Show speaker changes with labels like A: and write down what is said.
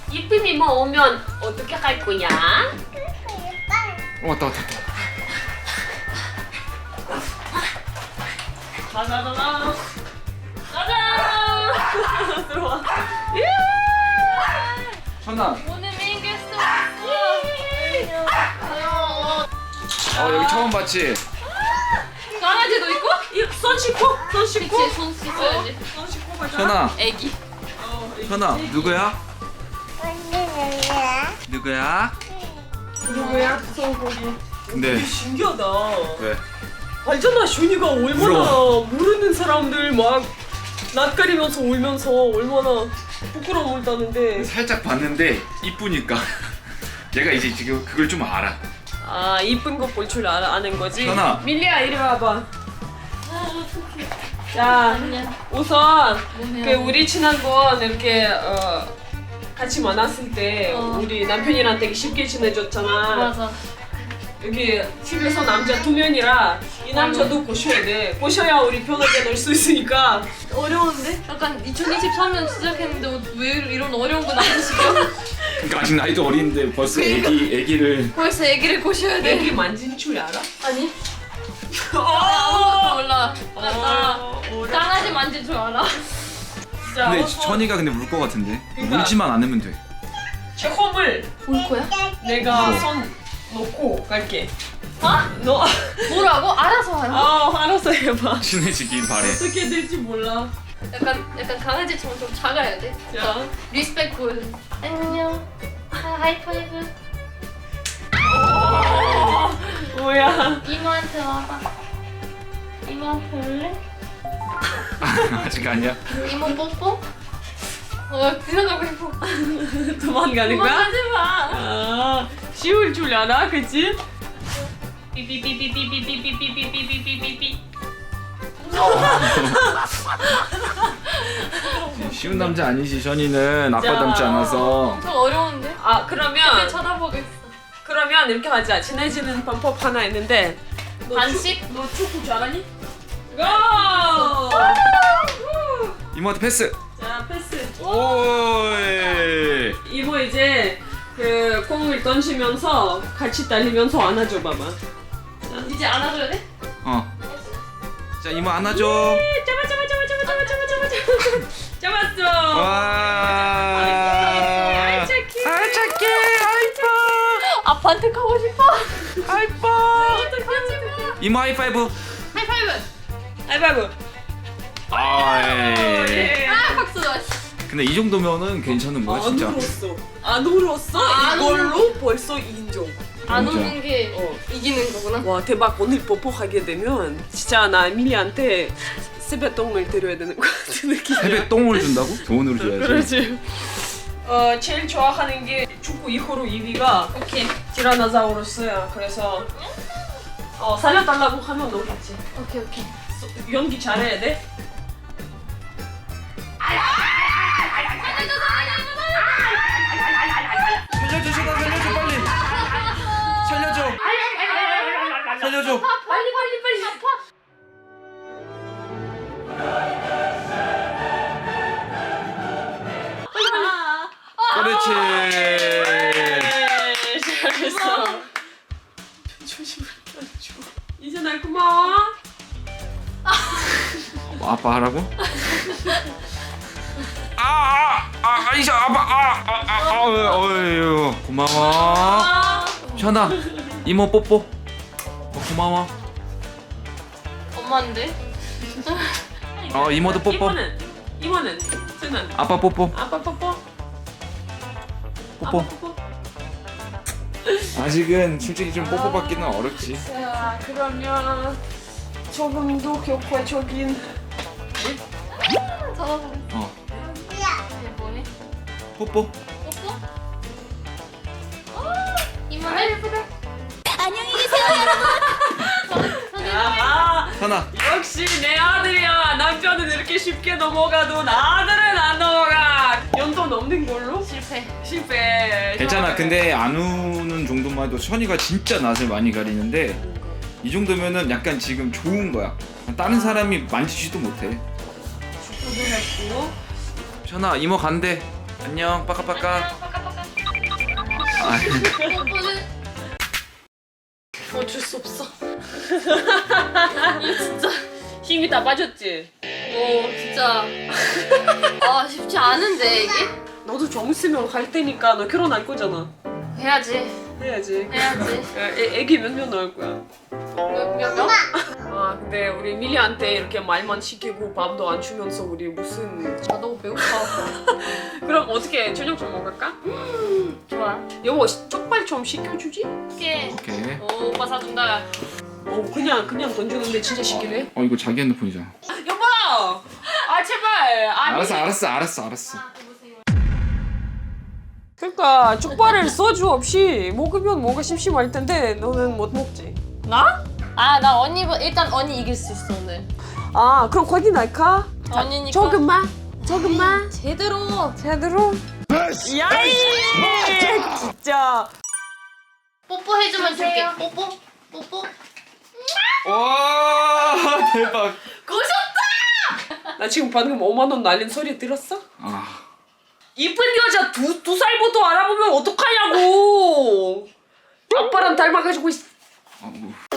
A: 이쁜 이모 오면 어떻게 할 거야?
B: 왔다.
A: 가자자자. 가자. 들어와.
B: 현아.
C: 오늘 메인 게스트
B: 여기 처음 봤지?
C: 강아지도 있고?
A: 손 씻고. 손 씻고.
C: 그치, 손 씻어야지.
A: 손 씻고 가자.
B: 현아.
C: 애기.
B: 현아 누구야? 누구야?
A: 누구야? 손고기.
B: 네.
A: 신기하다.
B: 왜?
A: 알잖아, 슌이가 얼마나
B: 울어.
A: 모르는 사람들 막 낯가리면서 울면서 얼마나 부끄러움을 따는데.
B: 살짝 봤는데 이쁘니까 얘가 이제 지금 그걸 좀 알아.
A: 아, 이쁜 거 볼 줄 아는 거지?
B: 현아.
A: 밀리야, 이리 와봐. 자,
C: 안녕.
A: 우선
C: 뭐해요?
A: 그 우리 지난번 이렇게 같이 만났을 때 우리 남편이랑 되게 쉽게 지내줬잖아.
C: 맞아.
A: 여기 집에서 남자 2명이라 이 남자도 보셔야 돼. 보셔야 우리 편하게 놀 수 있으니까. 어려운데?
C: 약간 2023년 시작했는데 왜 이런 어려운 거 나오시죠?
B: 그러니까 아직 나이도 어린데 벌써 애기를.
C: 벌써 애기를 고셔야 돼.
A: 애기 만지는 줄 알아?
C: 아니? 아무것도 몰라. 나
A: 어려워.
C: 강아지 만질 줄 알아.
A: 진짜
B: 근데
A: 어서
B: 천이가 근데 울 것 같은데.
A: 그러니까.
B: 울지만 않으면 돼.
A: 처음을
C: 올 거야?
A: 내가
B: 뭐?
A: 손 놓고 갈게.
C: 어?
A: 너
C: 뭐라고? 알아서 하라.
A: 알아서 해봐.
B: 친해지길 바래.
A: 어떻게 될지 몰라.
C: 약간 강아지처럼 좀 작아야 돼.
A: 자.
C: 리스펙트. 안녕. 하이파이브.
A: 뭐야?
C: 이모한테 와봐. 이모한테 올래?
B: 아직 아니야.
C: 이모 뽀뽀? 들어가고 싶어.
A: 도망가는 거야?
C: 도망가지 마.
A: 아, 쉬울 줄 알아, 그치? 삐삐삐삐삐삐삐삐삐삐삐삐삐삐삐.
B: 쉬운 남자 아니지. 션이는 아빠
A: 진짜.
B: 닮지 않아서.
C: 엄청 어려운데?
A: 아,
C: 근데
A: 그러면
C: 쳐다보겠어.
A: 이렇게 하자. 친해지는 방법 하나 있는데.
C: 반씩?
A: 너 축구 잘하니? 고!
B: 이모한테 패스.
A: 자, 패스.
B: 오이.
A: 이모 이제 그 공을 던지면서 같이 달리면서 안아줘 봐봐.
C: 이제 안아줘야 돼?
B: 자 이모 안아줘.
A: 잡았어.
B: 와.
A: 아이 착해.
B: 아이 착해. 아이뻐.
C: 아빠한테 가고 싶어.
B: 아이뻐. 이모 하이파이브.
C: 하이파이브.
A: 아이바브.
B: 아이.
C: 아 박수.
B: 근데 이 정도면은 괜찮은 거야 진짜.
A: 안 울었어.
C: 안
A: 이걸로 벌써 인정.
C: 안
B: 진짜.
C: 우는 게 이기는 거구나.
A: 와 대박. 오늘 뽀뽀하게 되면 진짜 나 밀리한테 세뱃돈을 드려야 되는 것 같은 느낌이야.
B: 세배 똥을 준다고? 돈으로 줘야지.
A: 그렇지. 제일 좋아하는 게 축구 이후로 2위가
C: 오케이.
A: 티라노사우루스야. 그래서 살려달라고 하면 오겠지.
C: 오케이.
A: 연기 잘해야 돼.
B: 살려줘 션아 살려줘 빨리. 살려줘. 살려줘.
C: 빨리 아파.
B: 그렇지.
A: 잘했어. 조심해. 이제 날 고마워.
B: 아빠 하라고? 이제 아빠 어유 고마워. 션아 이모 뽀뽀. 고마워.
C: 엄마인데?
B: 이모도 뽀뽀.
A: 이모는 쟤는
B: 아빠 뽀뽀.
A: 아빠 뽀뽀.
B: 뽀뽀.
A: 아빠 뽀뽀.
B: 아직은 솔직히 좀 뽀뽀 받기는 어렵지.
A: 자 그러면 조금 더 격화적인
C: 쳐다보고. 이게 뭐해?
B: 뽀뽀.
C: 뽀뽀? 이모네? 예쁘다.
A: 아
B: 션아
A: 역시 내 아들이야. 남편은 이렇게 쉽게 넘어가도 아들은 안 넘어가. 연도 넘는 걸로 실패.
B: 괜찮아. 근데 안 우는 정도만 해도 션이가 진짜 낯을 많이 가리는데 이 정도면은 약간 지금 좋은 거야. 다른 사람이 만지지도 못해.
A: 축구도 했고.
B: 션아 이모 간대. 안녕 빠까빠까.
C: 빠까빠까. 뽀뽀는 어쩔 수 없어. 이거 진짜.
A: 힘이 다 빠졌지?
C: 진짜. 아 쉽지 않은데 이게?
A: 너도 좀 있으면 갈 테니까 너 결혼할 거잖아.
C: 해야지.
A: 해야지.
C: 해야지.
A: 애기 몇 명 낳을 거야?
C: 몇 명?
A: 아 근데 우리 밀리한테 이렇게 말만 시키고 밥도 안 주면서 우리 무슨
C: 나 너무 배고파.
A: 그럼 어떻게 저녁 좀 먹을까?
C: 좋아.
A: 여보 족발 좀 시켜주지?
C: 오케이.
B: 오케이.
C: 오빠 사준다.
A: 그냥 던지는데 진짜 시키네?
B: 이거 자기 핸드폰이잖아.
A: 여보! 아 제발! 아니
B: 알았어.
A: 그러니까 족발을 소주 없이 먹으면 뭔가 심심할 텐데 너는 못 먹지? 나?
C: 나 일단 언니 이길 수 있어 오늘.
A: 아 그럼 거기 날까?
C: 언니니까.
A: 조금만
C: 제대로.
A: 야이! 진짜
C: 뽀뽀 해주면 줄게. 뽀뽀.
B: 와 대박.
A: 나 지금 방금 5만 원 날린 소리 들었어?
B: 아
A: 이쁜 여자 두 살부터 알아보면 어떡하냐고! 아빠랑 닮아가지고
B: 뭐.